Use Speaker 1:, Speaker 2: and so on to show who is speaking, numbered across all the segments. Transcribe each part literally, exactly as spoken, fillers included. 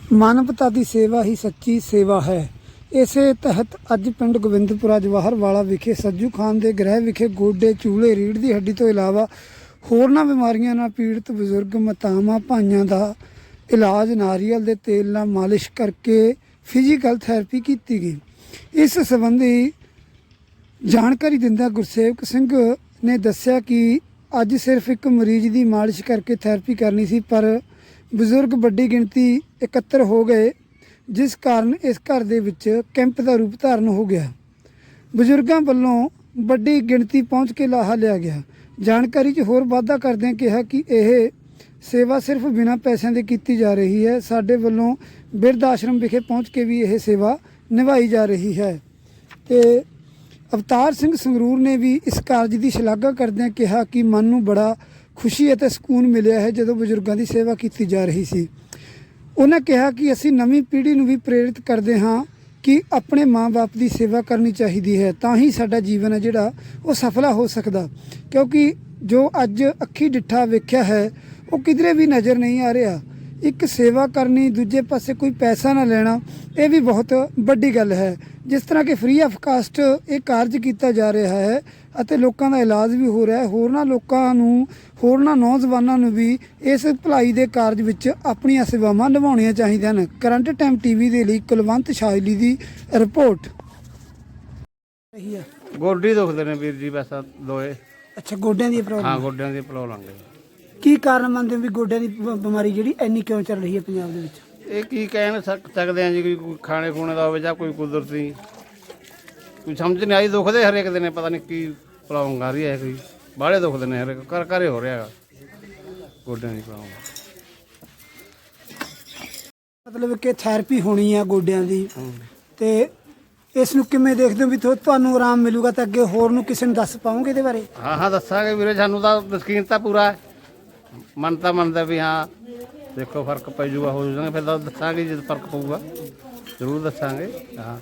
Speaker 1: ਮਾਨਵਤਾ ਦੀ ਸੇਵਾ ਹੀ ਸੱਚੀ ਸੇਵਾ ਹੈ। ਇਸੇ ਤਹਿਤ ਅੱਜ ਪਿੰਡ ਗੋਬਿੰਦਪੁਰਾ ਜਵਾਹਰ ਵਾਲਾ ਵਿਖੇ ਸੱਜੂ ਖਾਨ ਦੇ ਗ੍ਰਹਿ ਵਿਖੇ ਗੋਡੇ, ਚੂਲੇ, ਰੀੜ੍ਹ ਦੀ ਹੱਡੀ ਤੋਂ ਇਲਾਵਾ ਹੋਰਨਾਂ ਬਿਮਾਰੀਆਂ ਨਾਲ ਪੀੜਤ ਬਜ਼ੁਰਗ ਮਾਤਾਵਾਂ ਭਾਈਆਂ ਦਾ ਇਲਾਜ ਨਾਰੀਅਲ ਦੇ ਤੇਲ ਨਾਲ ਮਾਲਿਸ਼ ਕਰਕੇ ਫਿਜ਼ੀਕਲ ਥੈਰੇਪੀ ਕੀਤੀ ਗਈ। ਇਸ ਸੰਬੰਧੀ ਜਾਣਕਾਰੀ ਦਿੰਦਾ ਗੁਰਸੇਵਕ ਸਿੰਘ ਨੇ ਦੱਸਿਆ ਕਿ ਅੱਜ ਸਿਰਫ ਇੱਕ ਮਰੀਜ਼ ਦੀ ਮਾਲਿਸ਼ ਕਰਕੇ ਥੈਰੇਪੀ ਕਰਨੀ ਸੀ, ਪਰ ਬਜ਼ੁਰਗ ਵੱਡੀ ਗਿਣਤੀ ਇਕੱਤਰ ਹੋ ਗਏ, ਜਿਸ ਕਾਰਨ ਇਸ ਘਰ ਦੇ ਵਿੱਚ ਕੈਂਪ ਦਾ ਰੂਪ ਧਾਰਨ ਹੋ ਗਿਆ। ਬਜ਼ੁਰਗਾਂ ਵੱਲੋਂ ਵੱਡੀ ਗਿਣਤੀ ਪਹੁੰਚ ਕੇ ਲਾਹਾ ਲਿਆ ਗਿਆ। ਜਾਣਕਾਰੀ 'ਚ ਹੋਰ ਵਾਧਾ ਕਰਦਿਆਂ ਕਿਹਾ ਕਿ ਇਹ ਸੇਵਾ ਸਿਰਫ ਬਿਨਾਂ ਪੈਸਿਆਂ ਦੇ ਕੀਤੀ ਜਾ ਰਹੀ ਹੈ। ਸਾਡੇ ਵੱਲੋਂ ਬਿਰਧ ਆਸ਼ਰਮ ਵਿਖੇ ਪਹੁੰਚ ਕੇ ਵੀ ਇਹ ਸੇਵਾ ਨਿਭਾਈ ਜਾ ਰਹੀ ਹੈ। ਤੇ ਅਵਤਾਰ ਸਿੰਘ ਸੰਗਰੂਰ ਨੇ ਵੀ ਇਸ ਕਾਰਜ ਦੀ ਸ਼ਲਾਘਾ ਕਰਦਿਆਂ ਕਿਹਾ ਕਿ ਮਨ ਨੂੰ ਬੜਾ ਖੁਸ਼ੀ ਅਤੇ ਸਕੂਨ ਮਿਲਿਆ ਹੈ ਜਦੋਂ ਬਜ਼ੁਰਗਾਂ ਦੀ ਸੇਵਾ ਕੀਤੀ ਜਾ ਰਹੀ ਸੀ। ਉਹਨਾਂ ਕਿਹਾ ਕਿ ਅਸੀਂ ਨਵੀਂ ਪੀੜ੍ਹੀ ਨੂੰ ਵੀ ਪ੍ਰੇਰਿਤ ਕਰਦੇ ਹਾਂ ਕਿ ਆਪਣੇ ਮਾਂ-ਬਾਪ ਦੀ ਸੇਵਾ ਕਰਨੀ ਚਾਹੀਦੀ ਹੈ, ਤਾਂ ਹੀ ਸਾਡਾ ਜੀਵਨ ਹੈ ਜਿਹੜਾ ਉਹ ਸਫਲਾ ਹੋ ਸਕਦਾ, ਕਿਉਂਕਿ ਜੋ ਅੱਜ ਅੱਖੀ ਡਿੱਠਾ ਵੇਖਿਆ ਹੈ ਉਹ ਕਿਧਰੇ ਵੀ ਨਜ਼ਰ ਨਹੀਂ ਆ ਰਿਹਾ। ਇੱਕ ਸੇਵਾ ਕਰਨੀ, ਦੂਜੇ ਪਾਸੇ ਕੋਈ ਪੈਸਾ ਨਾ ਲੈਣਾ, ਇਹ ਵੀ ਬਹੁਤ ਵੱਡੀ ਗੱਲ ਹੈ। ਜਿਸ ਤਰ੍ਹਾਂ ਕਿ ਫ੍ਰੀ ਆਫ ਕਾਸਟ ਇਹ ਕਾਰਜ ਕੀਤਾ ਜਾ ਰਿਹਾ ਹੈ ਅਤੇ ਲੋਕਾਂ ਦਾ ਇਲਾਜ ਵੀ ਹੋ ਰਿਹਾ ਹੈ। ਹੋਰਨਾਂ ਲੋਕਾਂ ਨੂੰ, ਹੋਰਨਾਂ ਨੌਜਵਾਨਾਂ ਨੂੰ ਵੀ ਇਸ ਭਲਾਈ ਦੇ ਕਾਰਜ ਵਿੱਚ ਆਪਣੀਆਂ ਸੇਵਾਵਾਂ ਨਿਭਾਉਣੀਆਂ ਚਾਹੀਦੀਆਂ ਹਨ। ਕਰੰਟ ਟਾਈਮ ਟੀਵੀ ਦੇ ਲਈ ਕੁਲਵੰਤ ਸ਼ਾਇਲੀ ਦੀ ਰਿਪੋਰਟ।
Speaker 2: ਗੋਡੀ ਦੁਖਦੇ ਨੇ ਵੀਰ ਜੀ, ਬਸ ਦੋਏ।
Speaker 1: ਅੱਛਾ, ਗੋਡਿਆਂ ਦੀ ਪ੍ਰੋਬਲਮ?
Speaker 2: ਹਾਂ, ਗੋਡਿਆਂ ਦੀ ਪ੍ਰੋਬਲਮ ਹੈ।
Speaker 1: ਕੀ ਕਾਰਨ ਮੰਨਦੇ ਹੋ ਵੀ ਗੋਡਿਆਂ ਦੀ ਬ- ਬਿਮਾਰੀ ਜਿਹੜੀ ਇੰਨੀ ਕਿਉਂ ਚੱਲ ਰਹੀ ਹੈ ਪੰਜਾਬ ਦੇ ਵਿੱਚ?
Speaker 2: ਇਹ ਕੀ ਕਹਿ ਸਕ- ਸਕਦੇ ਆ ਜੀ, ਕੋਈ ਕੋਈ ਖਾਣੇ ਖੂਣੇ ਦਾ ਹੋਵੇ ਜਾਂ ਕੋਈ ਕੁਦਰਤੀ, ਕੋਈ ਸਮਝ ਨਹੀਂ ਆਈ। ਦੁਖਦੇ ਹਰੇਕ ਦਿਨ, ਪਤਾ ਨਹੀਂ ਕੀ ਪ੍ਰੋਬਲਮ ਆ ਰਹੀ ਹੈ, ਕੋਈ ਬਾਹਲੇ ਦੁਖਦੇ ਨੇ ਹਰੇਕ ਘਰ ਘਰੇ ਹੋ ਰਿਹਾ ਹੈਗਾ ਗੋਡਿਆਂ ਦੀ ਪ੍ਰੋਬਲਮ।
Speaker 1: ਮਤਲਬ ਕਿ ਥੈਰੇਪੀ ਹੋਣੀ ਆ ਗੋਡਿਆਂ ਦੀ, ਤੇ ਇਸ ਨੂੰ ਕਿਵੇਂ ਦੇਖਦੇ ਹੋ ਵੀ ਤੁਹਾ- ਤੁਹਾਨੂੰ ਆਰਾਮ ਮਿਲੂਗਾ ਤਾਂ ਅੱਗੇ ਹੋਰ ਨੂੰ ਕਿਸੇ ਨੂੰ ਦੱਸ ਪਾਓਗੇ ਇਹਦੇ ਬਾਰੇ?
Speaker 2: ਹਾਂ ਹਾਂ ਦੱਸਾਂਗੇ ਵੀਰੇ, ਸਾਨੂੰ ਤਾਂ ਯਕੀਨ ਤਾਂ ਪੂਰਾ ਹੈ। ਮਨ ਤਾਂ ਮੰਨਦਾ ਵੀ ਹਾਂ ਦੇਖੋ ਫਰਕ ਪੈ ਜੂਗਾ, ਹੋ ਜਾਊਗਾ, ਫਿਰ ਤਾਂ ਦੱਸਾਂਗੇ ਜਦ ਫਰਕ ਪਊਗਾ ਜ਼ਰੂਰ ਦੱਸਾਂਗੇ। ਹਾਂ,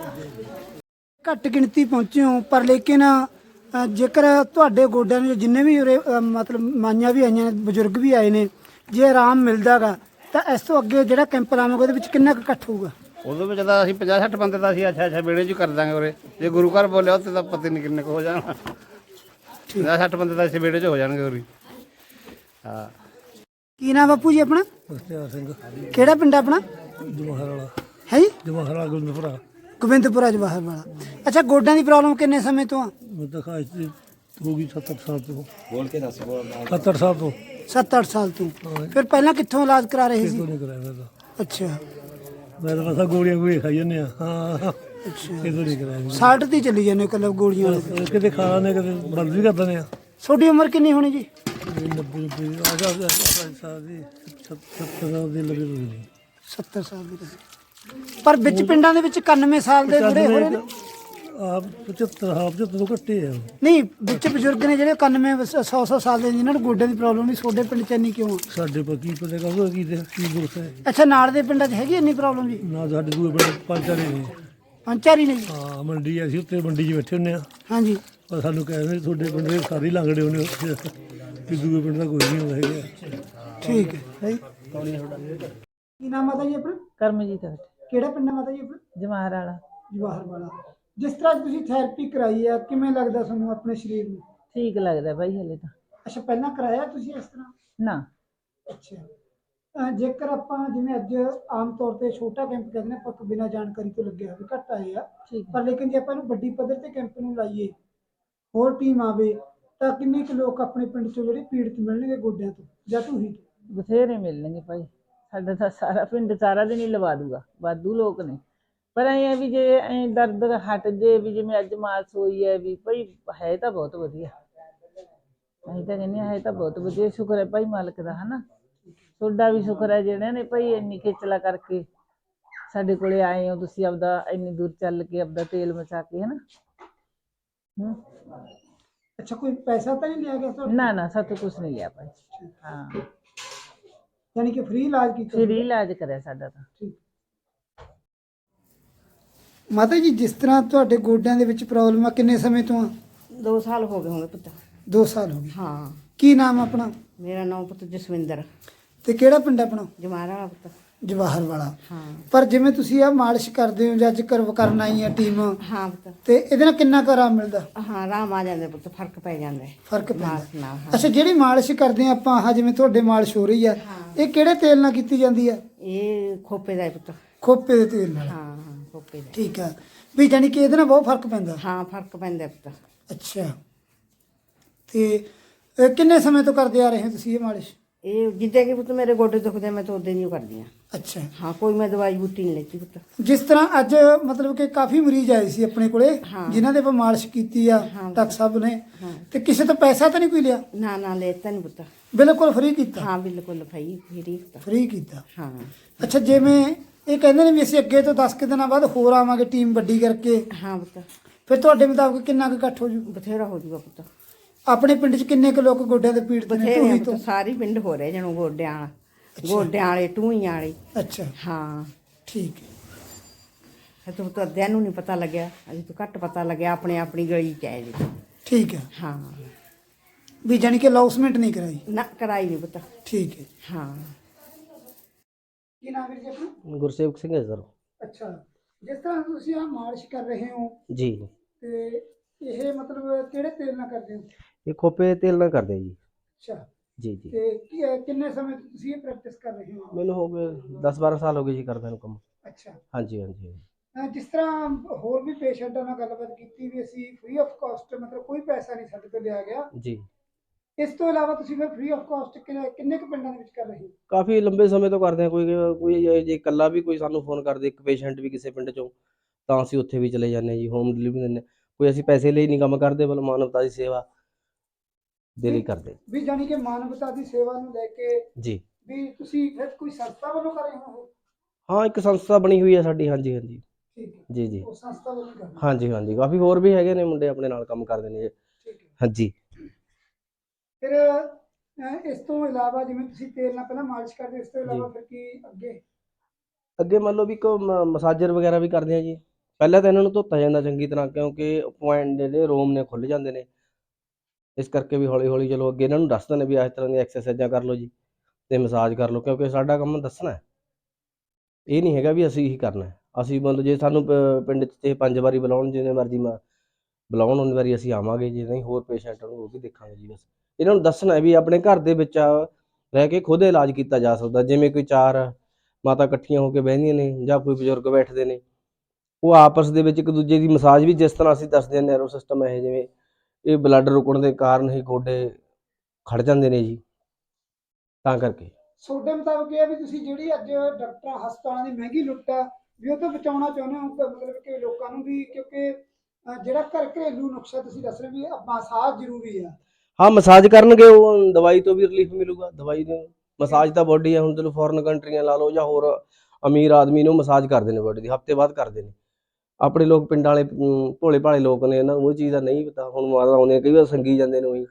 Speaker 1: ਘੱਟ ਗਿਣਤੀ ਪਹੁੰਚੇ ਹੋ, ਪਰ ਲੇਕਿਨ ਅ, ਜੇਕਰ ਤੁਹਾਡੇ ਗੋਡਿਆਂ ਨੂੰ ਜਿੰਨੇ ਵੀ ਉਰੇ ਅ, ਮਤਲਬ ਮਾਈਆਂ ਵੀ ਆਈਆਂ ਨੇ, ਬਜ਼ੁਰਗ ਵੀ ਆਏ ਨੇ, ਜੇ ਆਰਾਮ ਮਿਲਦਾ ਗਾ ਤਾਂ ਇਸ ਤੋਂ ਅੱਗੇ ਜਿਹੜਾ ਕੈਂਪ ਲਾਵਾਂਗੇ ਉਹਦੇ ਵਿੱਚ ਕਿੰਨਾ ਕੁ ਇਕੱਠ ਹੋਊਗਾ?
Speaker 2: ਉਹਦੇ ਵਿੱਚ ਤਾਂ ਅਸੀਂ ਪੰਜਾਹ ਸੱਠ ਬੰਦੇ ਦਾ ਅਸੀਂ ਅੱਛਾ ਅੱਛਾ ਵਿਹੜੇ 'ਚ ਕਰ ਦਾਂਗੇ ਉਰੇ। ਜੇ ਗੁਰੂ ਘਰ ਬੋਲਿਆ ਉੱਥੇ ਤਾਂ ਪਤਾ ਨਹੀਂ ਕਿੰਨੇ ਕੁ ਹੋ ਜਾਣਾ। ਪੰਜਾਹ ਸੱਠ ਬੰਦੇ ਦਾ ਅਸੀਂ ਵਿਹੜੇ 'ਚ ਹੋ ਜਾਣਗੇ ਉਰੇ। ਹਾਂ।
Speaker 1: ਕੀ ਨਾਮ ਬਾਪੂ ਜੀ ਆਪਣਾ?
Speaker 3: ਮੁਖਤਿਆਰ ਸਿੰਘ,
Speaker 1: ਕਿਹੜਾ ਪਿੰਡ ਆਪਣਾ?
Speaker 3: ਜਵਾਹਰ ਵਾਲਾ।
Speaker 1: ਹੈ ਜੀ,
Speaker 3: ਜਵਾਹਰ ਵਾਲਾ ਗੋਬਿੰਦਪੁਰਾ।
Speaker 1: ਗੋਬਿੰਦਪੁਰਾ ਜਵਾਹਰ ਵਾਲਾ। ਅੱਛਾ, ਗੋਡਿਆਂ ਦੀ ਪ੍ਰੋਬਲਮ ਕਿੰਨੇ ਸਮੇਂ ਤੋਂ ਆ?
Speaker 3: ਮੈਂ ਤਾਂ ਖਾਸ ਤੇ ਹੋ ਗਈ ਸੱਤ ਅੱਠ ਸਾਲ ਤੋਂ। ਬੋਲ ਕੇ ਦੱਸ। ਸੱਤ ਅੱਠ ਸਾਲ ਤੋਂ।
Speaker 1: ਸੱਤ ਅੱਠ ਸਾਲ ਤੋਂ। ਫਿਰ ਪਹਿਲਾਂ ਕਿੱਥੋਂ ਇਲਾਜ ਕਰਾ ਰਹੇ ਸੀ?
Speaker 3: ਕਿਤੋਂ ਨਹੀਂ ਕਰਾਇਆ ਮੈਂ ਤਾਂ।
Speaker 1: ਅੱਛਾ
Speaker 3: ਮੈਂ ਤਾਂ ਬਸ ਆਹ ਗੋਲੀਆਂ ਗੋਲੀਆਂ ਖਾਈ ਜਾਂਦੇ ਆ। ਹਾਂ,
Speaker 1: ਅੱਛਾ,
Speaker 3: ਕਿਤੋਂ ਨਹੀਂ ਕਰਾਇਆ।
Speaker 1: ਸਾਲਟ ਤੇ ਚੱਲੀ ਜਾਂਦੇ ਕੱਲ੍ਹ ਗੋਲੀਆਂ ਵਾਲੇ।
Speaker 3: ਕਿਤੇ ਖਾ ਲੈਂਦੇ, ਕਿਤੇ ਬੰਦ ਵੀ ਕਰ ਦਿੰਦੇ ਆ।
Speaker 1: ਤੁਹਾਡੀ ਉਮਰ ਕਿੰਨੀ ਹੋਣੀ ਜੀ?
Speaker 3: ਨੱਬੇ ਨੱਬੇ ਆ ਜਾ ਸਾਲ ਦੀ, ਸੱਤਰ ਸਾਲ ਦੀ ਲੱਗੀ ਹੋਈ।
Speaker 1: ਸੱਤਰ ਸਾਲ ਦੀ ਤਾਂ। ਪਰ ਵਿੱਚ ਪਿੰਡਾਂ ਦੇ ਵਿੱਚ ਇਕਾਨਵੇਂ ਸਾਲ ਦੇ ਬੁੜੇ ਹੋ ਰਹੇ ਨੇ।
Speaker 3: ਆਪ ਪਝੱਤਰ ਹਾਂ ਪਝੱਤਰ ਤੋਂ ਘੱਟੇ ਆ।
Speaker 1: ਨਹੀਂ, ਵਿੱਚ ਬਜ਼ੁਰਗ ਨੇ ਜਿਹੜੇ ਇਕਾਨਵੇਂ ਸੌ ਸੌ ਸਾਲ ਦੇ, ਜਿਨ੍ਹਾਂ ਨੂੰ ਗੋਡਿਆਂ ਦੀ ਪ੍ਰੋਬਲਮ ਨਹੀਂ, ਤੁਹਾਡੇ ਪਿੰਡ 'ਚ ਇੰਨੀ ਕਿਉਂ ਆ?
Speaker 3: ਸਾਡੇ ਪਰ ਕੀ ਪਤਾ ਕਹੋ ਕੀ ਦੇ ਕੀ ਦੁੱਖ ਹੈ।
Speaker 1: ਅੱਛਾ, ਨਾਲ ਦੇ ਪਿੰਡਾਂ 'ਚ ਹੈਗੀ ਇੰਨੀ ਪ੍ਰੋਬਲਮ ਜੀ?
Speaker 3: ਨਾ ਸਾਡੇ ਦੂਏ ਪਿੰਡ ਪੰਜ ਚਾਰੇ ਨੇ।
Speaker 1: ਪੰਜ ਚਾਰ ਹੀ ਨੇ ਜੀ?
Speaker 3: ਹਾਂ, ਮੰਡੀ ਆ, ਅਸੀਂ ਉੱਤੇ ਮੰਡੀ 'ਚ ਬੈਠੇ ਹੁੰਦੇ ਆ।
Speaker 1: ਹਾਂਜੀ।
Speaker 3: ਪਰ ਸਾਨੂੰ ਕਹਿੰਦੇ ਤੁਹਾਡੇ ਪਿੰਡ ਦੇ ਸਾਰੇ ਲੰਗੜੇ ਹੋਣੇ ਉੱਥੇ, ਕਿ ਦੂਏ ਪਿੰਡ ਦਾ ਕੋਈ ਨਹੀਂ ਹੁੰਦਾ ਹੈਗਾ।
Speaker 1: ਠੀਕ ਹੈ। ਕੀ ਨਾਮ ਮਾਤਾ ਜੀ ਆਪਣਾ?
Speaker 4: ਕਰਮਜੀਤ ਹੈ।
Speaker 1: ਕਿਹੜਾ ਪਿੰਡ ਹੈ ਮਾਤਾ ਜੀ ਆਪਣਾ?
Speaker 4: ਜਮਾਹਰ ਵਾਲਾ।
Speaker 1: ਜਵਾਹਰ ਵਾਲਾ। ਜਿਸ ਤਰ੍ਹਾਂ ਤੁਸੀਂ ਥੈਰੇਪੀ ਕਰਾਈ ਆ, ਕਿਵੇਂ ਲੱਗਦਾ ਤੁਹਾਨੂੰ ਆਪਣੇ ਸਰੀਰ ਨੂੰ?
Speaker 4: ਠੀਕ ਲੱਗਦਾ ਬਾਈ ਹਲੇ ਤਾਂ।
Speaker 1: ਅੱਛਾ, ਪਹਿਲਾਂ ਕਰਾਇਆ ਤੁਸੀਂ ਇਸ ਤਰ੍ਹਾਂ?
Speaker 4: ਨਾ।
Speaker 1: ਅੱਛਾ। ਅਹ ਜੇਕਰ ਆਪਾਂ ਜਿਵੇਂ ਅੱਜ ਆਮ ਤੌਰ ਤੇ ਛੋਟਾ ਕੈਂਪ ਕਹਿੰਦੇ ਨੇ, ਆਪਾਂ ਬਿਨਾਂ ਜਾਣਕਾਰੀ ਤੋਂ ਲੱਗਿਆ ਹੋਵੇ, ਘੱਟ ਆਏ ਆ,
Speaker 4: ਠੀਕ
Speaker 1: ਪਰ ਲੇਕਿਨ ਜੇ ਆਪਾਂ ਇਹਨੂੰ ਵੱਡੀ ਪੱਧਰ ਤੇ ਕੈਂਪ ਨੂੰ ਲਾਈਏ, ਹੋਰ ਟੀਮ ਆਵੇ, ਤਾਂ ਕਿੰਨੇ ਕੁ ਲੋਕ ਆਪਣੇ ਪਿੰਡ ਚੋਂ ਜਿਹੜੇ ਪੀੜਤ ਮਿਲਣਗੇ ਗੋਡਿਆਂ ਤੋਂ ਜਾਂ ਢੂਹੀ ਤੋਂ?
Speaker 4: ਬਥੇਰੇ ਮਿਲਣਗੇ ਭਾਈ, ਸਾਡਾ ਤਾਂ ਸਾਰਾ ਪਿੰਡ ਸਾਰਾ ਦਿਨ ਹੀ ਲਵਾ ਦੂਗਾ, ਵਾਧੂ ਲੋਕ ਨੇ। ਪਰ ਐਂ ਹੈ ਵੀ ਜੇ ਐਂ ਦਰਦ ਹਟ ਜੇ, ਵੀ ਜਿਵੇਂ ਅੱਜ ਮਾਲਸ਼ ਹੋਈ ਹੈ, ਵੀ ਭਾਈ ਹੈ ਤਾਂ ਬਹੁਤ ਵਧੀਆ। ਅਸੀਂ ਤਾਂ ਕਹਿੰਦੇ ਹੈ ਤਾਂ ਬਹੁਤ ਵਧੀਆ। ਸ਼ੁਕਰ ਹੈ ਭਾਈ ਮਾਲਕ ਦਾ, ਹਨਾ। ਤੁਹਾਡਾ ਵੀ ਸ਼ੁਕਰ ਹੈ ਜਿਹੜਿਆਂ ਨੇ ਭਾਈ ਇੰਨੀ ਖੇਚਲਾ ਕਰਕੇ ਸਾਡੇ ਕੋਲੇ ਆਏ ਹੋ ਤੁਸੀਂ, ਆਪਦਾ ਇੰਨੀ ਦੂਰ ਚੱਲ ਕੇ ਆਪਦਾ ਤੇਲ ਮਚਾ ਕੇ, ਹਨਾ। ਹੂੰ।
Speaker 1: ਅੱਛਾ, ਕੋਈ ਪੈਸਾ ਤਾਂ ਨਹੀਂ ਲਿਆ ਗਿਆ ਤੁਹਾਡਾ?
Speaker 4: ਨਾ ਨਾ, ਸਾਤੋਂ ਕੁਛ ਨਹੀਂ ਲਿਆ ਭਾਈ। ਹਾਂ,
Speaker 1: ਯਾਨੀ ਕਿ ਫ੍ਰੀ ਇਲਾਜ ਕੀਤਾ?
Speaker 4: ਫ੍ਰੀ ਇਲਾਜ ਕਰਿਆ ਸਾਡਾ ਤਾਂ।
Speaker 1: ਠੀਕ। ਮਾਤਾ ਜੀ, ਜਿਸ ਤਰ੍ਹਾਂ ਤੁਹਾਡੇ ਗੋਡਿਆਂ ਦੇ ਵਿੱਚ ਪ੍ਰੋਬਲਮ ਆ, ਕਿੰਨੇ ਸਮੇਂ ਤੋਂ ਆ?
Speaker 5: ਦੋ ਸਾਲ ਹੋ ਗਏ ਹੋਣਗੇ ਪੁੱਤ।
Speaker 1: ਦੋ ਸਾਲ ਹੋ ਗਏ।
Speaker 5: ਹਾਂ।
Speaker 1: ਕੀ ਨਾਮ ਆਪਣਾ?
Speaker 5: ਮੇਰਾ ਨਾਮ ਪੁੱਤ ਜਸਵਿੰਦਰ।
Speaker 1: ਤੇ ਕਿਹੜਾ ਪਿੰਡ ਆਪਣਾ?
Speaker 5: ਜਮਾਰਾ ਵਾਲਾ ਪੁੱਤ।
Speaker 1: ਜਵਾਹਰ ਵਾਲਾ।
Speaker 5: ਹਾਂ
Speaker 1: ਪਰ ਜਿਵੇਂ ਤੁਸੀਂ ਆ ਮਾਲਿਸ਼ ਕਰਦੇ ਹੋ ਜਾਂ ਅੱਜ ਕਰ ਕਰਨ ਆਈ ਆ ਟੀਮ,
Speaker 5: ਹਾਂ ਪੁੱਤ,
Speaker 1: ਤੇ ਇਹਦੇ ਨਾਲ ਕਿੰਨਾ ਕੁ ਆਰਾਮ ਮਿਲਦਾ?
Speaker 5: ਹਾਂ ਆਰਾਮ ਆ ਜਾਂਦਾ ਪੁੱਤ, ਫਰਕ ਪੈ ਜਾਂਦਾ ਹੈ
Speaker 1: ਫਰਕ ਪੈਂਦਾ?
Speaker 5: ਮਾਸ ਨਾਲ। ਹਾਂ
Speaker 1: ਅੱਛਾ, ਜਿਹੜੀ ਮਾਲਿਸ਼ ਕਰਦੇ ਆ ਆਪਾਂ, ਆਹ ਜਿਵੇਂ ਤੁਹਾਡੇ ਮਾਲਿਸ਼ ਹੋ ਰਹੀ ਆ, ਇਹ ਕਿਹੜੇ ਤੇਲ ਨਾਲ ਕੀਤੀ ਜਾਂਦੀ ਆ?
Speaker 5: ਇਹ ਖੋਪੇ ਦਾ ਹੈ ਪੁੱਤ।
Speaker 1: ਖੋਪੇ ਦੇ ਤੇਲ ਨਾਲ।
Speaker 5: ਹਾਂ ਹਾਂ ਖੋਪੇ ਦਾ।
Speaker 1: ਠੀਕ ਆ, ਵੀ ਜਾਨੀ ਕਿ ਇਹਦੇ ਨਾਲ ਬਹੁਤ ਫਰਕ ਪੈਂਦਾ?
Speaker 5: ਹਾਂ ਫਰਕ ਪੈਂਦਾ ਪੁੱਤ।
Speaker 1: ਅੱਛਾ, ਤੇ ਇਹ ਕਿੰਨੇ ਸਮੇਂ ਤੋਂ ਕਰਦੇ ਆ ਰਹੇ ਹੋ ਤੁਸੀਂ ਇਹ ਮਾਲਿਸ਼?
Speaker 5: ਇਹ ਜਿੱਦਾਂ ਕਿ ਪੁੱਤ ਮੇਰੇ ਗੋਡੇ ਦੁਖਦੇ ਆ, ਮੈਂ ਤਾਂ ਉਦੋਂ ਨਹੀਂ ਕਰਦੀ ਹਾਂ।
Speaker 1: ਅੱਛਾ,
Speaker 5: ਹਾਂ ਕੋਈ ਮੈਂ ਦਵਾਈ ਬੂਟੀ ਨਹੀਂ ਲੈਤੀ ਪੁੱਤ।
Speaker 1: ਜਿਸ ਤਰ੍ਹਾਂ ਅੱਜ ਮਤਲਬ ਕਿ ਕਾਫੀ ਮਰੀਜ਼ ਆਏ ਸੀ ਆਪਣੇ ਕੋਲੇ,
Speaker 5: ਹਾਂ।
Speaker 1: ਜਿਨ੍ਹਾਂ ਦੇ ਆਪਾਂ ਮਾਲਿਸ਼ ਕੀਤੀ ਆ
Speaker 5: ਹਾਂ।
Speaker 1: ਡਾਕਟਰ ਸਾਹਿਬ ਨੇ,
Speaker 5: ਹਾਂ।
Speaker 1: ਤੇ ਕਿਸੇ ਤੋਂ ਪੈਸਾ ਤਾਂ ਨਹੀਂ ਕੋਈ ਲਿਆ?
Speaker 5: ਨਾ ਨਾ ਲੈਤਾ ਨਹੀਂ ਪੁੱਤ।
Speaker 1: ਬਿਲਕੁਲ ਫ੍ਰੀ ਕੀਤਾ?
Speaker 5: ਹਾਂ ਬਿਲਕੁਲ ਭਾਈ ਫਰੀ ਪੁੱਤ।
Speaker 1: ਫ੍ਰੀ ਕੀਤਾ।
Speaker 5: ਹਾਂ
Speaker 1: ਅੱਛਾ, ਜਿਵੇਂ ਇਹ ਕਹਿੰਦੇ ਨੇ ਵੀ ਅਸੀਂ ਅੱਗੇ ਤੋਂ ਦਸ ਕੁ ਦਿਨਾਂ ਬਾਅਦ ਹੋਰ ਆਵਾਂਗੇ ਟੀਮ ਵੱਡੀ ਕਰਕੇ,
Speaker 5: ਹਾਂ ਪੁੱਤ
Speaker 1: ਫਿਰ ਤੁਹਾਡੇ ਮੁਤਾਬਕ ਕਿੰਨਾ ਕੁ ਇਕੱਠ ਹੋ ਜੂ?
Speaker 5: ਬਥੇਰਾ ਹੋ ਜੂਗਾ ਪੁੱਤ।
Speaker 1: ਆਪਣੇ ਪਿੰਡ 'ਚ ਕਿੰਨੇ ਕੁ ਲੋਕ ਗੋਡਿਆਂ ਦੇ ਪੀੜ ਨੇ
Speaker 5: ਬਥੇਰੇ
Speaker 1: ਢੂਹੀ
Speaker 5: ਆ
Speaker 1: ਤੋਂ?
Speaker 5: ਪੁੱਤ, ਸਾਰੇ ਪਿੰਡ ਹੋ ਰਹੇ ਜਣੋ ਗੋਡਿਆਂ ਵਾਲਾ, ਗੋਡਿਆਂ ਵਾਲੇ ਟੂਈਆਂ ਵਾਲੇ।
Speaker 1: ਅੱਛਾ,
Speaker 5: ਹਾਂ
Speaker 1: ਠੀਕ ਹੈ।
Speaker 5: ਇਹ ਤਾਂ ਪੁੱਤ ਅੱਧਿਆਂ ਨੂੰ ਨਹੀਂ ਪਤਾ ਲੱਗਿਆ, ਅਜੇ ਤੋਂ ਘੱਟ ਪਤਾ ਲੱਗਿਆ ਆਪਣੇ ਆਪਣੀ ਗਲੀ ਚ ਆਏ ਜੀ।
Speaker 1: ਠੀਕ ਹੈ,
Speaker 5: ਹਾਂ
Speaker 1: ਵੀ ਜਾਨੀ ਕਿ ਲੌਸਮੈਂਟ ਨਹੀਂ ਕਰਾਈ?
Speaker 5: ਨਾ ਕਰਾਈ ਨਹੀਂ ਪੁੱਤ।
Speaker 1: ਠੀਕ ਹੈ।
Speaker 5: ਹਾਂ
Speaker 1: ਕੀ ਨਾਮ ਹੈ ਜੀ ਆਪਣਾ?
Speaker 6: ਗੁਰਸੇਵਕ ਸਿੰਘ ਹੈ ਸਰ।
Speaker 1: ਅੱਛਾ, ਜਿਸ ਤਰ੍ਹਾਂ ਤੁਸੀਂ ਆ ਮਾਲਿਸ਼ ਕਰ ਰਹੇ ਹੋ,
Speaker 6: ਜੀ,
Speaker 1: ਤੇ ਇਹ ਮਤਲਬ ਕਿਹੜੇ ਤੇਲ ਨਾਲ ਕਰਦੇ ਹੋ?
Speaker 6: ਇਹ ਖੋਪੇ ਤੇਲ ਨਾਲ ਕਰਦੇ ਆ ਜੀ।
Speaker 1: ਅੱਛਾ,
Speaker 6: ਜੀ ਜੀ,
Speaker 1: ਤੇ ਕੀ- ਅਹ ਕਿੰਨੇ ਸਮੇਂ ਤੋਂ ਤੁਸੀਂ ਇਹ ਪ੍ਰੈਕਟਿਸ ਕਰ ਰਹੇ ਹੋ?
Speaker 6: ਮੈਨੂੰ ਹੋ ਗਏ ਦਸ ਬਾਰਾਂ ਸਾਲ ਹੋ ਗਏ ਜੀ ਕਰਦੇ ਨੂੰ ਕੰਮ।
Speaker 1: ਅੱਛਾ,
Speaker 6: ਹਾਂਜੀ ਹਾਂਜੀ।
Speaker 1: ਅਹ ਜਿਸ ਤਰ੍ਹਾਂ ਹੋਰ ਵੀ ਪੇਸ਼ੈਂਟਾਂ ਨਾਲ ਗੱਲਬਾਤ ਕੀਤੀ ਵੀ ਅਸੀਂ ਫ੍ਰੀ ਆਫ ਕਾਸਟ, ਮਤਲਬ ਕੋਈ ਪੈਸਾ ਨਹੀਂ ਸਾਡੇ ਤੋਂ ਲਿਆ ਗਿਆ,
Speaker 6: ਜੀ,
Speaker 1: ਇਸ ਤੋਂ ਇਲਾਵਾ ਤੁਸੀਂ ਫਿਰ ਫ੍ਰੀ ਆਫ ਕਾਸਟ ਕਿੰਨੇ ਕੁ ਪਿੰਡਾਂ ਦੇ ਵਿੱਚ ਕਰ ਰਹੇ ਹੋ?
Speaker 6: ਕਾਫੀ ਲੰਬੇ ਸਮੇਂ ਤੋਂ ਕਰਦੇ ਆ। ਕੋਈ ਕੋਈ ਜੇ ਜੇ ਇਕੱਲਾ ਵੀ ਕੋਈ ਸਾਨੂੰ ਫੋਨ ਕਰਦੇ, ਇੱਕ ਪੇਸ਼ੈਂਟ ਵੀ ਕਿਸੇ ਪਿੰਡ ਚੋਂ, ਤਾਂ ਅਸੀਂ ਉੱਥੇ ਵੀ ਚਲੇ ਜਾਂਦੇ ਹਾਂ ਜੀ, ਹੋਮ ਡਿਲੀਵਰੀ ਦਿੰਦੇ ਹਾਂ। ਕੋਈ ਅਸੀਂ ਪੈਸੇ ਲਈ ਨਹੀਂ ਕੰਮ ਕਰਦੇ, ਬਲ ਮਾਨਵਤਾ ਦੀ ਸੇਵਾ ਦੇ ਲਈ ਕਰਦੇ
Speaker 1: ਵੀ ਜਾਨੀ ਕਿ ਮਾਨਵਤਾ ਦੀ ਸੇਵਾ ਨੂੰ ਲੈ ਕੇ
Speaker 6: ਜੀ।
Speaker 1: ਵੀ ਤੁਸੀਂ ਫਿਰ ਕੋਈ ਸੰਸਥਾ ਵੱਲੋਂ ਕਰ ਰਹੇ ਹੋ?
Speaker 6: ਹਾਂ, ਇੱਕ ਸੰਸਥਾ ਬਣੀ ਹੋਈ ਹੈ ਸਾਡੀ। ਹਾਂਜੀ ਹਾਂਜੀ।
Speaker 1: ਠੀਕ ਹੈ,
Speaker 6: ਜੀ ਜੀ,
Speaker 1: ਉਹ ਸੰਸਥਾ ਵੱਲੋਂ ਕਰ ਰਹੇ ਹੋ?
Speaker 6: ਹਾਂਜੀ ਹਾਂਜੀ। ਕਾਫੀ ਹੋਰ ਵੀ ਹੈਗੇ ਨੇ ਮੁੰਡੇ ਆਪਣੇ ਨਾਲ ਕੰਮ ਕਰਦੇ ਨੇ ਜੀ।
Speaker 1: ਠੀਕ ਹੈ।
Speaker 6: ਹਾਂਜੀ।
Speaker 1: ਫਿਰ ਅਹ, ਇਸ ਤੋਂ ਇਲਾਵਾ ਜਿਵੇਂ ਤੁਸੀਂ ਤੇਲ ਨਾਲ ਪਹਿਲਾਂ ਮਾਲਿਸ਼ ਕਰਦੇ, ਇਸ ਤੋਂ ਇਲਾਵਾ ਫਿਰ ਕੀ ਅੱਗੇ?
Speaker 6: ਅੱਗੇ ਮੰਨ ਲਓ ਵੀ ਇੱਕ ਮਸਾਜਰ ਵਗੈਰਾ ਵੀ ਕਰਦੇ ਆ ਜੀ। ਪਹਿਲਾਂ ਤਾਂ ਇਹਨਾਂ ਨੂੰ ਧੋਤਾ ਜਾਂਦਾ ਚੰਗੀ ਤਰ੍ਹਾਂ, ਕਿਉਂਕਿ ਪੁਆਇੰਟ ਜਿਹੜੇ ਰੋਮ ਨੇ ਖੁੱਲ ਜਾਂਦੇ ਨੇ, ਇਸ ਕਰਕੇ ਵੀ ਹੌਲੀ ਹੌਲੀ ਚਲੋ ਅੱਗੇ ਇਹਨਾਂ ਨੂੰ ਦੱਸ ਦਿੰਦੇ ਵੀ ਇਸ ਤਰ੍ਹਾਂ ਦੀਆਂ ਐਕਸਰਸਾਈਜ਼ਾਂ ਕਰ ਲਓ ਜੀ, ਤੇ ਮਸਾਜ ਕਰ ਲਓ, ਕਿਉਂਕਿ ਸਾਡਾ ਕੰਮ ਦੱਸਣਾ ਹੈ। ਇਹ ਨਹੀਂ ਹੈਗਾ ਵੀ ਅਸੀਂ ਹੀ ਕਰਨਾ ਹੈ। ਅਸੀਂ ਮਤਲਬ ਜੇ ਸਾਨੂੰ ਪ- ਪਿੰਡ 'ਚ ਇਹ ਪੰਜ ਵਾਰੀ ਬੁਲਾਉਣ, ਜਿੰਨੇ ਮਰਜ਼ੀ ਮ ਬੁਲਾਉਣ ਉਨੀ ਵਾਰੀ ਅਸੀਂ ਆਵਾਂਗੇ। ਜੇ ਨਹੀਂ ਹੋਰ ਪੇਸ਼ੈਂਟ ਨੂੰ ਉਹ ਵੀ ਦੇਖਾਂਗੇ ਜੀ। ਬਸ ਇਹਨਾਂ ਨੂੰ ਦੱਸਣਾ ਹੈ ਵੀ ਆਪਣੇ ਘਰ ਦੇ ਵਿੱਚ ਰਹਿ ਕੇ ਖੁਦ ਇਲਾਜ ਕੀਤਾ ਜਾ ਸਕਦਾ। ਜਿਵੇਂ ਕੋਈ ਚਾਰ ਮਾਤਾ ਇਕੱਠੀਆਂ ਹੋ ਕੇ ਬਹਿੰਦੀਆਂ ਨੇ ਜਾਂ ਕੋਈ ਬਜ਼ੁਰਗ ਬੈਠਦੇ ਨੇ, ਉਹ ਆਪਸ ਦੇ ਵਿੱਚ ਇੱਕ ਦੂਜੇ ਦੀ ਮਸਾਜ ਵੀ ਜਿਸ ਤਰ੍ਹਾਂ ਅਸੀਂ ਦੱਸਦੇ ਹਾਂ, ਨੈਰੋ ਸਿਸਟਮ ਹੈ ਜਿਵੇਂ, ਇਹ ਬਲੱਡ ਰੁਕਣ ਦੇ ਕਾਰਨ ਹੀ ਗੋਡੇ ਖੜ ਜਾਂਦੇ ਨੇ ਜੀ, ਤਾਂ ਕਰਕੇ।
Speaker 1: ਤੁਹਾਡੇ ਮੁਤਾਬਕ ਇਹ ਹੈ ਵੀ ਤੁਸੀਂ ਜਿਹੜੀ ਅੱਜ ਡਾਕਟਰਾਂ ਹਸਪਤਾਲਾਂ ਦੀ ਮਹਿੰਗੀ ਲੁੱਟ ਆ, ਵੀ ਉਹ ਤੋਂ ਬਚਾਉਣਾ ਚਾਹੁੰਦੇ ਹੋ, ਮਤਲਬ ਕਿ ਲੋਕਾਂ ਨੂੰ ਵੀ, ਕਿਉਂਕਿ ਅਹ, ਜਿਹੜਾ ਘਰ ਘਰੇਲੂ ਨੁਕਸਾ ਤੁਸੀਂ ਦੱਸ ਰਹੇ ਵੀ ਮਸਾਜ ਜ਼ਰੂਰੀ ਆ।
Speaker 6: ਹਾਂ, ਮਸਾਜ ਕਰਨਗੇ ਉਹ ਦਵਾਈ ਤੋਂ ਵੀ ਰਿਲੀਫ ਮਿਲੂਗਾ। ਦਵਾਈ ਨੂੰ ਮਸਾਜ ਤਾਂ ਬੋਡੀ ਹੈ। ਹੁਣ ਚਲੋ ਫੋਰਨ ਕੰਟਰੀਆਂ ਲਾ ਲਓ ਜਾਂ ਹੋਰ ਅਮੀਰ ਆਦਮੀ ਨੂੰ ਮਸਾਜ ਕਰਦੇ ਨੇ ਬੋਡੀ ਦੀ, ਹਫ਼ਤੇ ਬਾਅਦ ਕਰਦੇ ਨੇ। ਆਪਣੇ ਲੋਕ ਪਿੰਡਾਂ ਵਾਲੇ ਅਮ, ਭੋਲੇ ਭਾਲੇ ਲੋਕ ਨੇ, ਇਹਨਾਂ ਨੂੰ ਉਹ ਚੀਜ਼ ਦਾ ਨਹੀਂ ਪਤਾ। ਹੁਣ ਮਾਤਾ ਆਉਂਦੇ ਕਈ ਵਾਰ ਸੰਗੀ ਜਾਂਦੇ ਨੇ ਉਹੀ,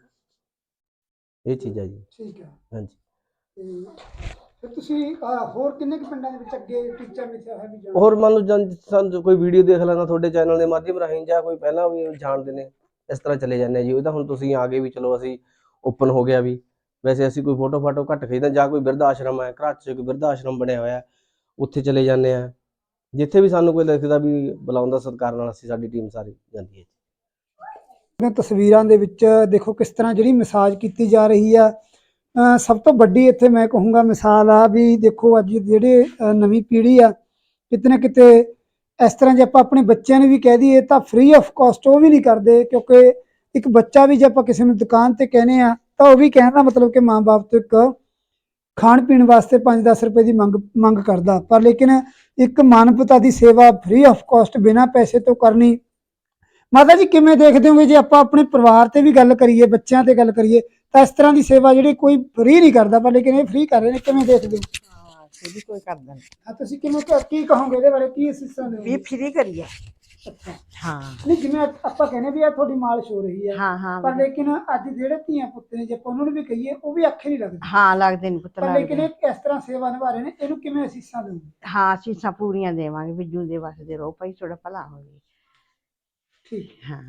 Speaker 6: ਇਹ ਚੀਜ਼ ਹੈ ਜੀ।
Speaker 1: ਠੀਕ ਹੈ।
Speaker 6: ਹਾਂਜੀ।
Speaker 1: ਤੇ ਫਿਰ ਤੁਸੀਂ ਅਹ, ਹੋਰ ਕਿੰਨੇ ਕੁ ਪਿੰਡਾਂ ਦੇ ਵਿੱਚ ਅੱਗੇ ਟੀਚਾ ਮਿੱਥਿਆ ਹੈ ਵੀ ਜਾਣਾ?
Speaker 6: ਹੋਰ ਮੰਨ ਲਓ ਜਨ ਸਾਨੂੰ ਕੋਈ ਵੀਡੀਓ ਦੇਖ ਲੈਂਦਾ ਤੁਹਾਡੇ ਚੈਨਲ ਦੇ ਮਾਧਿਅਮ ਰਾਹੀਂ, ਜਾਂ ਕੋਈ ਪਹਿਲਾਂ ਵੀ ਜਾਣਦੇ ਨੇ, ਇਸ ਤਰ੍ਹਾਂ ਚਲੇ ਜਾਂਦੇ ਆ ਜੀ। ਉਹ ਤਾਂ ਹੁਣ ਤੁਸੀਂ ਆ ਗਏ ਵੀ ਚਲੋ ਅਸੀਂ ਓਪਨ ਹੋ ਗਿਆ ਵੀ। ਵੈਸੇ ਅਸੀਂ ਕੋਈ ਫੋਟੋ ਫਾਟੋ ਘੱਟ ਖਿੱਚਦੇ, ਜਾਂ ਕੋਈ ਬਿਰਧ ਆਸ਼ਰਮ ਹੈ ਘਰ 'ਚ, ਕੋਈ ਬਿਰਧ ਆਸ਼ਰਮ ਬਣਿਆ ਹੋਇਆ, ਉੱਥੇ ਚਲੇ ਜਾਂਦੇ ਆ। ਜਿੱਥੇ ਵੀ ਸਾਨੂੰ ਕੋਈ ਲਿਖਦਾ ਵੀ ਬੁਲਾਉਂਦਾ ਸਤਿਕਾਰ ਨਾਲ, ਅਸੀਂ ਸਾਡੀ ਟੀਮ ਸਾਰੀ ਜਾਂਦੀ ਹੈ।
Speaker 1: ਤਸਵੀਰਾਂ ਦੇ ਵਿੱਚ ਦੇਖੋ ਕਿਸ ਤਰ੍ਹਾਂ ਜਿਹੜੀ ਮਸਾਜ ਕੀਤੀ ਜਾ ਰਹੀ ਆ। ਅਹ ਸਭ ਤੋਂ ਵੱਡੀ ਇੱਥੇ ਮੈਂ ਕਹੂੰਗਾ ਮਿਸਾਲ ਆ ਵੀ ਦੇਖੋ ਅੱਜ ਜਿਹੜੇ ਅਹ ਨਵੀਂ ਪੀੜ੍ਹੀ ਆ, ਕਿਤੇ ਨਾ ਕਿਤੇ ਇਸ ਤਰ੍ਹਾਂ ਜੇ ਆਪਾਂ ਆਪਣੇ ਬੱਚਿਆਂ ਨੂੰ ਵੀ ਕਹਿ ਦਈਏ ਤਾਂ ਫ੍ਰੀ ਆਫ ਕਾਸਟ ਉਹ ਵੀ ਨਹੀਂ ਕਰਦੇ, ਕਿਉਂਕਿ ਇੱਕ ਬੱਚਾ ਵੀ ਜੇ ਆਪਾਂ ਕਿਸੇ ਨੂੰ ਦੁਕਾਨ ਤੇ ਕਹਿੰਦੇ ਆ ਤਾਂ ਉਹ ਵੀ ਕਹਿਣ ਦਾ ਮਤਲਬ ਕਿ ਮਾਂ ਬਾਪ ਤੋਂ ਇੱਕ ਖਾਣ ਪੀਣ ਵਾਸਤੇ ਪੰਜ ਦਸ ਰੁਪਏ ਦੀ ਮੰਗ ਮੰਗ ਕਰਦਾ। ਪਰ ਲੇਕਿਨ ਇੱਕ ਮਾਨਵਤਾ ਦੀ ਸੇਵਾ ਫ੍ਰੀ ਆਫ ਕਾਸਟ ਬਿਨਾਂ ਪੈਸੇ ਤੋਂ ਕਰਨੀ, ਮਾਤਾ ਜੀ ਕਿਵੇਂ ਦੇਖਦੇ ਹੋਗੇ? ਜੇ ਆਪਾਂ ਆਪਣੇ ਪਰਿਵਾਰ ਤੇ ਵੀ ਗੱਲ ਕਰੀਏ, ਬੱਚਿਆਂ ਤੇ ਗੱਲ ਕਰੀਏ, ਤਾਂ ਇਸ ਤਰ੍ਹਾਂ ਦੀ ਸੇਵਾ ਜਿਹੜੀ ਕੋਈ ਫ੍ਰੀ ਨਹੀਂ ਕਰਦਾ, ਪਰ ਲੇਕਿਨ ਇਹ ਫ੍ਰੀ ਕਰ ਰਹੇ ਨੇ, ਕਿਵੇਂ ਦੇਖਦੇ ਹੋ?
Speaker 5: ਹਾਂ ਫ੍ਰੀ ਕੋਈ ਕਰਦਾ ਨਹੀਂ।
Speaker 1: ਹਾਂ, ਤੁਸੀਂ ਕਿਵੇਂ ਕੀ ਕਹੋਗੇ ਇਹਦੇ ਬਾਰੇ? ਕੀ ਅਸੀਸਾਂ
Speaker 5: ਵੀ
Speaker 1: ਦਿਓਗੇ?
Speaker 5: ਫ੍ਰੀ ਕਰੀਏ।
Speaker 1: ਅੱਛਾ,
Speaker 5: ਹਾਂ
Speaker 1: ਨਹੀਂ ਜਿਵੇਂ ਆਪਾਂ ਕਹਿੰਦੇ ਵੀ ਆ ਤੁਹਾਡੀ ਮਾਲਿਸ਼ ਹੋ ਰਹੀ ਹੈ,
Speaker 5: ਹਾਂ ਹਾਂ
Speaker 1: ਪਰ ਲੇਕਿਨ ਅੱਜ ਜਿਹੜੇ ਧੀਆਂ ਪੁੱਤ ਨੇ ਜੇ ਆਪਾਂ ਉਹਨਾਂ ਨੂੰ ਵੀ ਕਹੀਏ ਉਹ ਵੀ ਅੱਖੇ ਨਹੀਂ ਲੱਗਦੇ।
Speaker 5: ਹਾਂ ਲੱਗਦੇ ਨਹੀਂ ਪੁੱਤ,
Speaker 1: ਪਰ ਲੇਕਿਨ
Speaker 5: ਲੱਗਦੇ।
Speaker 1: ਇਹ ਇਸ ਤਰ੍ਹਾਂ ਸੇਵਾ ਨਿਭਾ ਰਹੇ ਨੇ, ਇਹਨੂੰ ਕਿਵੇਂ ਅਸੀਸਾਂ ਦਿਓਗੇ?
Speaker 5: ਹਾਂ ਅਸੀਸਾਂ ਪੂਰੀਆਂ ਦੇਵਾਂਗੇ ਵੀ ਜੂਦੇ ਵਸਦੇ ਰਹੋ ਭਾਈ, ਤੁਹਾਡਾ ਭਲਾ ਹੋਵੇ।
Speaker 1: ਠੀਕ।
Speaker 5: ਹਾਂ।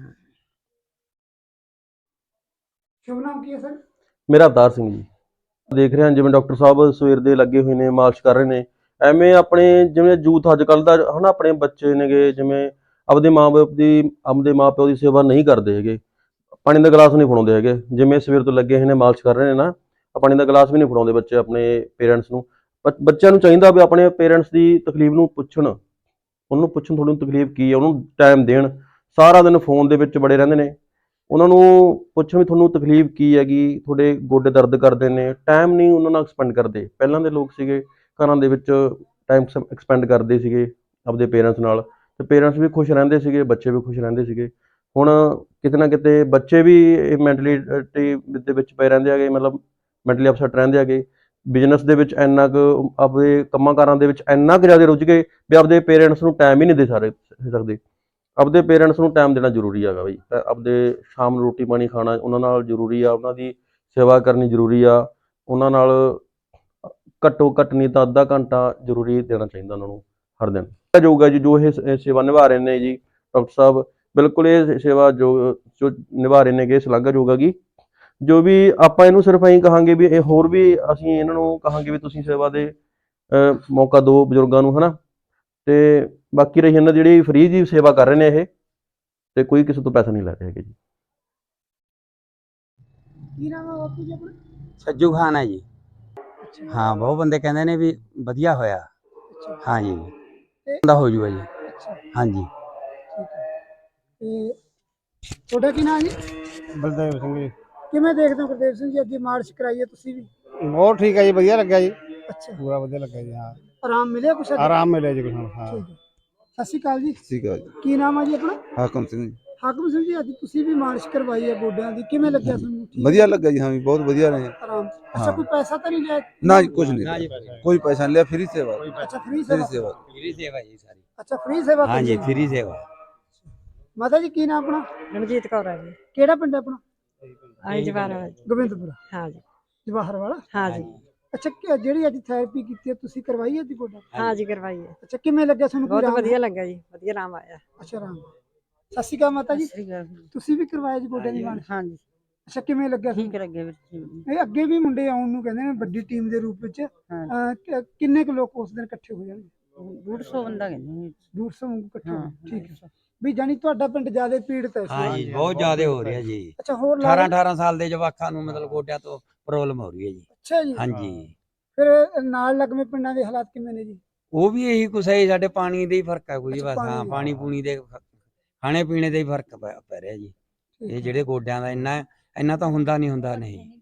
Speaker 1: ਸ਼ੁਭ ਨਾਮ ਕੀ ਹੈ ਸਰ?
Speaker 7: ਮੇਰਾ ਅਵਤਾਰ ਸਿੰਘ ਜੀ। ਦੇਖ ਰਹੇ ਹਾਂ ਜਿਵੇਂ ਡਾਕਟਰ ਸਾਹਿਬ ਸਵੇਰ ਦੇ ਲੱਗੇ ਹੋਏ ਨੇ, ਮਾਲਿਸ਼ ਕਰ ਰਹੇ ਨੇ। ਐਵੇਂ ਆਪਣੇ ਜਿਵੇਂ ਯੂਥ ਅੱਜ ਕੱਲ੍ਹ ਦਾ ਹਨਾ, ਆਪਣੇ ਬੱਚੇ ਨੇਗੇ ਜਿਵੇਂ ਆਪਦੇ ਮਾਂ-ਬਾਪ ਦੀ ਆਪਦੇ ਮਾਂ-ਪਿਓ ਦੀ ਸੇਵਾ ਨਹੀਂ ਕਰਦੇ ਹੈਗੇ, ਪਾਣੀ ਦਾ ਗਲਾਸ ਨਹੀਂ ਫੜਾਉਂਦੇ ਹੈਗੇ, ਜਿਵੇਂ ਸਵੇਰ ਤੋਂ ਲੱਗੇ ਹੋਏ ਨੇ ਮਾਲਿਸ਼ ਕਰ ਰਹੇ ਨੇ ਨਾ, ਪਾਣੀ ਦਾ ਗਲਾਸ ਵੀ ਨਹੀਂ ਫੜਾਉਂਦੇ ਬੱਚੇ ਆਪਣੇ ਪੇਰੈਂਟਸ ਨੂੰ। ਬ ਬੱਚਿਆਂ ਨੂੰ ਚਾਹੀਦਾ ਵੀ ਆਪਣੇ ਪੇਰੈਂਟਸ ਦੀ ਤਕਲੀਫ ਨੂੰ ਪੁੱਛਣ, ਉਹਨੂੰ ਪੁੱਛਣ ਤੁਹਾਨੂੰ ਤਕਲੀਫ ਕੀ ਹੈ, ਉਹਨੂੰ ਟਾਈਮ ਦੇਣ। ਸਾਰਾ ਦਿਨ ਫੋਨ ਦੇ ਵਿੱਚ ਬੜੇ ਰਹਿੰਦੇ ਨੇ, ਉਹਨਾਂ ਨੂੰ ਪੁੱਛਣ ਵੀ ਤੁਹਾਨੂੰ ਤਕਲੀਫ ਕੀ ਹੈਗੀ, ਤੁਹਾਡੇ ਗੋਡੇ ਦਰਦ ਕਰਦੇ ਨੇ, ਟਾਈਮ ਨਹੀਂ ਉਹਨਾਂ ਨਾਲ ਐਕਸਪੈਂਡ ਕਰਦੇ। ਪਹਿਲਾਂ ਦੇ ਲੋਕ ਸੀਗੇ ਘਰਾਂ ਦੇ ਵਿੱਚ ਟਾਈਮ ਐਕਸਪੈਂਡ ਕਰਦੇ ਸੀਗੇ ਆਪਦੇ ਪੇਰੈਂਟਸ ਨਾਲ, ਤੇ ਪੇਰੈਂਟਸ ਵੀ ਖੁਸ਼ ਰਹਿੰਦੇ ਸੀਗੇ, ਬੱਚੇ ਵੀ ਖੁਸ਼ ਰਹਿੰਦੇ ਸੀਗੇ। ਹੁਣ ਕਿਤੇ ਨਾ ਕਿਤੇ ਬੱਚੇ ਵੀ ਮੈਂਟਲਿਟੀ ਦੇ ਵਿੱਚ ਪਏ ਰਹਿੰਦੇ ਹੈਗੇ, ਮਤਲਬ ਮੈਂਟਲੀ ਅਪਸੈਟ ਰਹਿੰਦੇ ਹੈਗੇ। ਬਿਜ਼ਨਸ ਦੇ ਵਿੱਚ ਇੰਨਾ ਕੁ ਆਪਦੇ ਕੰਮਾਂ ਕਾਰਾਂ ਦੇ ਵਿੱਚ ਇੰਨਾ ਕੁ ਜ਼ਿਆਦਾ ਰੁੱਝ ਗਏ ਵੀ ਆਪਦੇ ਪੇਰੈਂਟਸ ਨੂੰ ਟਾਈਮ ਹੀ ਨਹੀਂ ਦੇ ਸਾਰੇ ਸਕਦੇ। ਆਪਦੇ ਪੇਰੈਂਟਸ ਨੂੰ ਟਾਈਮ ਦੇਣਾ ਜ਼ਰੂਰੀ ਹੈਗਾ ਬਈ, ਆਪਦੇ ਸ਼ਾਮ ਨੂੰ ਰੋਟੀ ਪਾਣੀ ਖਾਣਾ ਉਹਨਾਂ ਨਾਲ ਜ਼ਰੂਰੀ ਆ, ਉਹਨਾਂ ਦੀ ਸੇਵਾ ਕਰਨੀ ਜ਼ਰੂਰੀ ਆ, ਉਹਨਾਂ ਨਾਲ ਘੱਟੋ ਘੱਟ ਨਹੀਂ ਤਾਂ ਅੱਧਾ ਘੰਟਾ ਜ਼ਰੂਰੀ ਦੇਣਾ ਚਾਹੀਦਾ ਉਹਨਾਂ ਨੂੰ ਹਰ ਦਿਨ। ਜਾਊਗਾ ਜੀ ਜੋ ਇਹ ਸ- ਸੇਵਾ ਨਿਭਾ ਰਹੇ ਨੇ ਜੀ ਡਾਕਟਰ ਸਾਹਿਬ, ਬਿਲਕੁਲ ਇਹ ਸੇਵਾ ਜੋ ਜੋ ਨਿਭਾ ਰਹੇ ਨੇਗੇ ਸ਼ਲਾਘਾਯੋਗ ਹੈਗੀ। ਜੋ ਵੀ ਆਪਾਂ ਇਹਨੂੰ ਸਿਰਫ ਐਂ ਕਹਾਂਗੇ ਵੀ ਇਹ ਹੋਰ ਵੀ ਅਸੀਂ ਇਹਨਾਂ ਨੂੰ ਕਹਾਂਗੇ ਵੀ ਤੁਸੀਂ ਸੇਵਾ ਦੇ ਅਹ, ਮੌਕਾ ਦਿਓ ਬਜ਼ੁਰਗਾਂ ਨੂੰ, ਹਨਾ। ਤੇ ਬਾਕੀ ਰਹੀ ਇਹਨਾਂ ਦੀ ਜਿਹੜੀ ਫ੍ਰੀ ਦੀ ਸੇਵਾ ਕਰ ਰਹੇ ਨੇ ਇਹ, ਤੇ ਕੋਈ ਕਿਸੇ ਤੋਂ ਪੈਸਾ ਨਹੀਂ ਲੈ ਰਹੇ ਹੈਗੇ ਜੀ।
Speaker 1: ਕੀ ਨਾਮ ਹੈ ਬਾਪੂ ਜੀ ਆਪਣਾ?
Speaker 8: ਸੱਜੂ ਖਾਨ ਹੈ ਜੀ। ਹਾਂ, ਬਹੁਤ ਬੰਦੇ ਕਹਿੰਦੇ ਨੇ ਵੀ ਵਧੀਆ ਹੋਇਆ। ਹਾਂਜੀ, ਦਾ ਹੋ ਜੂਗਾ ਜੀ। ਹਾਂਜੀ,
Speaker 1: ਤੇ ਤੁਹਾਡਾ ਕੀ ਨਾਮ ਜੀ?
Speaker 2: ਬਲਦੇਵ ਸਿੰਘ ਜੀ।
Speaker 1: ਕਿਵੇਂ ਦੇਖਦੇ ਹੋ ਗੁਰਦੇਵ ਸਿੰਘ ਜੀ, ਅੱਜ ਮਾਰਚ ਕਰਾਈ ਹੈ ਤੁਸੀਂ ਵੀ?
Speaker 2: ਬਹੁਤ ਠੀਕ ਹੈ ਜੀ, ਵਧੀਆ ਲੱਗਿਆ ਜੀ,
Speaker 1: ਅੱਛਾ,
Speaker 2: ਪੂਰਾ ਵਧੀਆ ਲੱਗਿਆ ਜੀ। ਹਾਂ,
Speaker 1: ਆਰਾਮ ਮਿਲਿਆ ਕੁਛ ਅੱਜ?
Speaker 2: ਆਰਾਮ ਮਿਲਿਆ ਜੀ ਕੁਛ ਹੁਣ। ਹਾਂ,
Speaker 1: ਠੀਕ ਹੈ। ਸਤਿ ਸ਼੍ਰੀ ਅਕਾਲ ਜੀ।
Speaker 9: ਠੀਕ ਹੈ ਜੀ।
Speaker 1: ਕੀ ਨਾਮ ਹੈ ਜੀ ਆਪਣਾ?
Speaker 9: ਹਾਕਮ ਸਿੰਘ ਜੀ।
Speaker 1: ਹਾਕਮ ਸਿੰਘ ਜੀ, ਅੱਜ ਤੁਸੀਂ ਵੀ ਮਾਰਚ ਕਰਵਾਈ ਹੈ ਗੋਡਿਆਂ ਦੀ, ਕਿਵੇਂ ਲੱਗਿਆ ਤੁਹਾਨੂੰ? ਠੀਕ
Speaker 9: ਵਧੀਆ ਲੱਗਾ ਜੀ, ਹਾਂ ਵੀ ਬਹੁਤ ਵਧੀਆ ਰਹੇ।
Speaker 1: ਆਰਾਮ। ਅੱਛਾ, ਕੋਈ ਪੈਸਾ ਤਾਂ ਨਹੀਂ ਲਿਆ?
Speaker 9: ਨਾ ਜੀ ਕੁਝ ਨਹੀਂ ਲਿਆ, ਕੋਈ ਪੈਸਾ ਨਹੀਂ ਲਿਆ, ਫ੍ਰੀ ਸੇਵਾ।
Speaker 1: ਅੱਛਾ, ਫ੍ਰੀ
Speaker 9: ਫ੍ਰੀ
Speaker 1: ਸੇਵਾ।
Speaker 9: ਸੇਵਾ।
Speaker 8: ਫ੍ਰੀ ਸੇਵਾ ਜੀ ਸਾਰੀ।
Speaker 1: ਅੱਛਾ, ਫ੍ਰੀ ਸੇਵਾ।
Speaker 8: ਹਾਂਜੀ, ਫ੍ਰੀ ਸੇਵਾ।
Speaker 1: ਮਾਤਾ ਜੀ ਕੀ ਨਾਮ ਆਪਣਾ?
Speaker 10: ਰਣਜੀਤ ਕੌਰ ਹੈ ਜੀ।
Speaker 1: ਕਿਹੜਾ ਪਿੰਡ ਹੈ ਆਪਣਾ?
Speaker 10: ਆਈ ਜਵਾਰ ਵਾਲਾ ਜੀ।
Speaker 1: ਗੋਬਿੰਦਪੁਰਾ।
Speaker 10: ਹਾਂ ਜੀ।
Speaker 1: ਜਵਾਹਰ ਵਾਲਾ।
Speaker 10: ਹਾਂ ਜੀ।
Speaker 1: ਅੱਛਾ, ਕਿ- ਜਿਹੜੀ ਅੱਜ ਥੈਰੇਪੀ ਕੀਤੀ ਹੈ ਤੁਸੀਂ, ਕਰਵਾਈ ਹੈ ਜੀ ਗੋਡਾ?
Speaker 10: ਹਾਂ ਜੀ, ਕਰਵਾਈ ਹੈ।
Speaker 1: ਅੱਛਾ, ਕਿਵੇਂ ਲੱਗਿਆ ਤੁਹਾਨੂੰ?
Speaker 10: ਬਹੁਤ
Speaker 1: ਕੋਈ ਆਰਾਮ?
Speaker 10: ਵਧੀਆ ਲੱਗਾ ਜੀ, ਵਧੀਆ ਆਰਾਮ ਆਇਆ।
Speaker 1: ਅੱਛਾ, ਆਰਾਮ। ਸਤਿ ਸ਼੍ਰੀ ਅਕਾਲ ਮਾਤਾ ਜੀ।
Speaker 10: ਸਤਿ ਸ਼੍ਰੀ ਅਕਾਲ।
Speaker 1: ਤੁਸੀਂ ਵੀ ਕਰਵਾਇਆ ਜੀ ਗੋਡੇ ਦੀ ਮਾਲਿਸ਼?
Speaker 10: ਹਾਂ ਜੀ,
Speaker 1: ਅੱਛਾ, ਕਿਵੇਂ ਲੱਗਿਆ
Speaker 10: ਠੀਕ
Speaker 1: ਤੁਹਾਨੂੰ?
Speaker 10: ਲੱਗੇ ਵੀਰ ਜੀ।
Speaker 1: ਇਹ ਅੱਗੇ ਵੀ ਮੁੰਡੇ ਆਉਣ ਨੂੰ ਕਹਿੰਦੇ ਨੇ ਵੱਡੀ ਟੀਮ ਦੇ ਰੂਪ ਵਿੱਚ। ਅਹ, ਕਿ- ਕਿੰਨੇ ਕੁ ਲੋਕ ਉਸ ਦਿਨ ਇਕੱਠੇ ਹੋ ਜਾਣਗੇ?
Speaker 10: ਡੂਢ ਸੌ ਬੰਦਾ ਕਹਿੰਦੇ।
Speaker 1: ਡੂਢ ਸੌ ਵਾਂਗੂ ਇਕੱਠੇ ਹੋ
Speaker 10: ਹਾਂ,
Speaker 1: ਠੀਕ ਹੈ। ਵੀ ਜਾਨੀ ਤੁਹਾਡਾ ਪਿੰਡ ਜ਼ਿਆਦਾ ਪੀੜਤ ਹੈ ਇਸ
Speaker 8: ਹਾਂ
Speaker 1: ਵਾਰ?
Speaker 8: ਜੀ, ਬਹੁਤ ਜ਼ਿਆਦਾ ਹੋ ਰਿਹਾ ਜੀ।
Speaker 1: ਅੱਛਾ, ਹੋਰ ਲਾ
Speaker 8: ਅਠਾਰਾਂ
Speaker 1: ਲਓ।
Speaker 8: ਅਠਾਰਾਂ ਸਾਲ ਦੇ ਜਵਾਕਾਂ ਨੂੰ ਮਤਲਬ ਗੋਡਿਆਂ ਤੋਂ ਪ੍ਰੋਬਲਮ ਹੋ ਰਹੀ ਹੈ ਜੀ।
Speaker 1: ਅੱਛਾ ਜੀ।
Speaker 8: ਹਾਂਜੀ,
Speaker 1: ਫਿਰ ਨਾਲ ਲੱਗਵੇਂ ਪਿੰਡਾਂ ਦੇ ਹਾਲਾਤ ਕਿਵੇਂ ਨੇ ਜੀ?
Speaker 8: ਉਹ ਵੀ ਇਹੀ ਕੁਛ ਹੈ ਜੀ, ਸਾਡੇ ਪਾਣੀ ਦਾ ਹੀ ਫਰਕ ਹੈ ਕੋਈ
Speaker 1: ਅੱਛਾ,
Speaker 8: ਬਸ।
Speaker 1: ਪਾਣੀ
Speaker 8: ਹਾਂ,
Speaker 1: ਦਾ।
Speaker 8: ਪਾਣੀ ਪੂਣੀ ਦੇ ਖਾਣੇ ਪੀਣੇ ਦਾ ਹੀ ਫਰਕ ਪੈ ਪੈ ਰਿਹਾ ਜੀ।
Speaker 1: ਠੀਕ
Speaker 8: ਇਹ
Speaker 1: ਹੈ।
Speaker 8: ਜਿਹੜੇ ਗੋਡਿਆਂ ਦਾ ਇੰਨਾ ਇੰਨਾ ਤਾਂ ਹੁੰਦਾ ਨਹੀਂ ਹੁੰਦਾ ਨਹੀਂ।